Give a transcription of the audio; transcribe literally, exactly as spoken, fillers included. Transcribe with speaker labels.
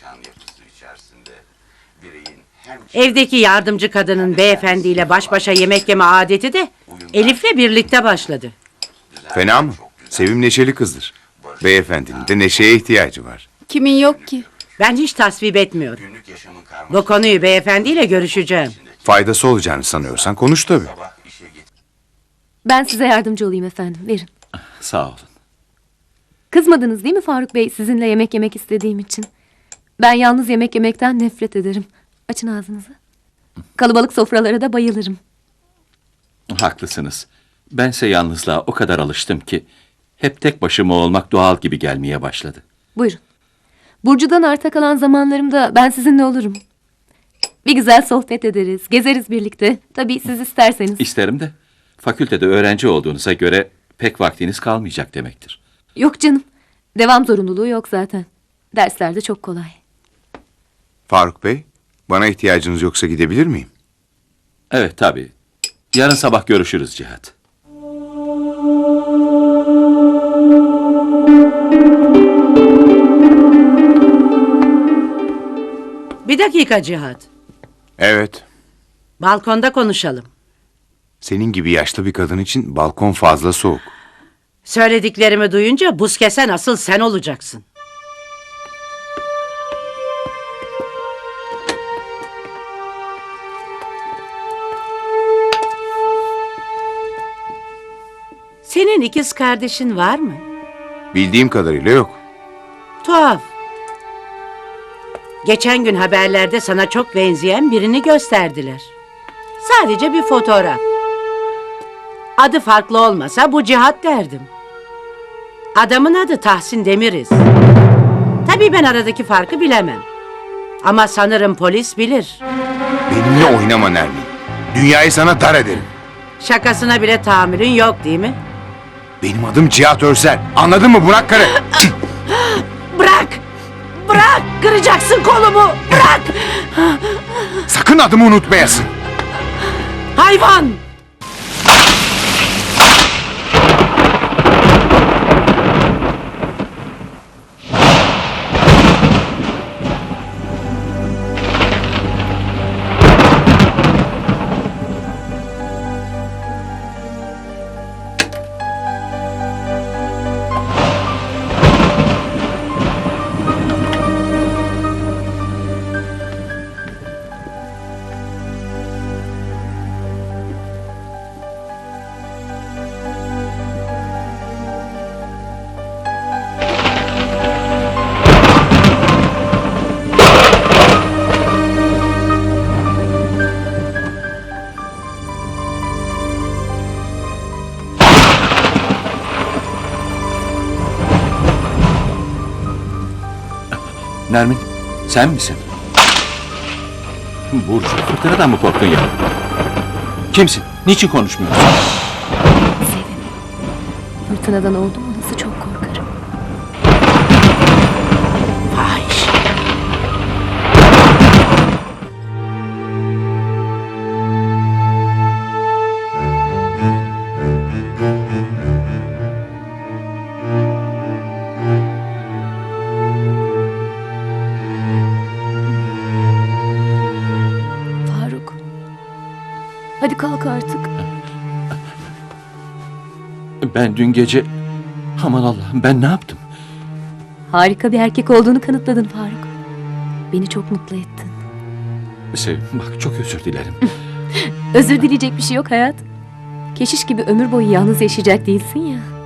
Speaker 1: mekan yapısı içerisinde bireyin hem
Speaker 2: Evdeki yardımcı kadının beyefendiyle baş başa yemek yeme adeti de Elif'le birlikte başladı.
Speaker 3: Fena mı? Sevim neşeli kızdır. Beyefendinin de neşeye ihtiyacı var.
Speaker 4: Kimin yok ki?
Speaker 2: Ben hiç tasvip etmiyorum.
Speaker 1: günlük yaşamın karmaşası
Speaker 2: Bu konuyu beyefendiyle görüşeceğim.
Speaker 3: Faydası olacağını sanıyorsan konuş tabii.
Speaker 1: sabah işe git.
Speaker 5: Ben size yardımcı olayım efendim. Verin.
Speaker 6: Sağ olun.
Speaker 5: Kızmadınız değil mi Faruk Bey sizinle yemek yemek istediğim için? Ben yalnız yemek yemekten nefret ederim. Açın ağzınızı. Kalabalık sofralara da bayılırım.
Speaker 6: Haklısınız. Bense yalnızlığa o kadar alıştım ki hep tek başıma olmak doğal gibi gelmeye başladı.
Speaker 5: Buyurun. Burcu'dan arta kalan zamanlarımda ben sizinle olurum. Bir güzel sohbet ederiz, gezeriz birlikte. Tabii siz isterseniz.
Speaker 6: İsterim de fakültede öğrenci olduğunuza göre pek vaktiniz kalmayacak demektir.
Speaker 5: Yok canım. Devam zorunluluğu yok zaten. Dersler de çok kolay.
Speaker 3: Faruk Bey, bana ihtiyacınız yoksa gidebilir miyim?
Speaker 6: Evet tabii. Yarın sabah görüşürüz Cihat.
Speaker 2: Bir dakika Cihat.
Speaker 3: Evet.
Speaker 2: Balkonda konuşalım.
Speaker 3: Senin gibi yaşlı bir kadın için balkon fazla soğuk.
Speaker 2: Söylediklerimi duyunca buz kesen asıl sen olacaksın. Senin ikiz kardeşin var mı?
Speaker 3: Bildiğim kadarıyla yok.
Speaker 2: Tuhaf. Geçen gün haberlerde sana çok benzeyen birini gösterdiler. Sadece bir fotoğraf. Adı farklı olmasa bu Cihat derdim. Adamın adı Tahsin Demiriz. Tabii ben aradaki farkı bilemem. Ama sanırım polis bilir.
Speaker 3: Benimle oynama Nermin. Dünyayı sana dar ederim.
Speaker 2: Şakasına bile tahammülün yok değil mi?
Speaker 3: Benim adım Cihat Örsel. Anladın mı Burak karı?
Speaker 2: Bırak! Bırak! Kıracaksın kolumu! Bırak!
Speaker 3: Sakın adımı unutmayasın.
Speaker 2: Hayvan!
Speaker 6: Nermin, sen misin? Burcu, fırtınadan mı korktun ya? Kimsin? Niçin konuşmuyorsun?
Speaker 5: Sevim. Fırtınadan oldu mu nasıl çok korkarım.
Speaker 2: Fahiş.
Speaker 5: Faruk. Hadi kalk artık.
Speaker 6: Ben dün gece... Aman Allah'ım ben ne yaptım?
Speaker 5: Harika bir erkek olduğunu kanıtladın Faruk. Beni çok mutlu ettin.
Speaker 6: Sevim bak çok özür dilerim.
Speaker 5: Özür dileyecek bir şey yok hayat. Keşiş gibi ömür boyu yalnız yaşayacak değilsin ya.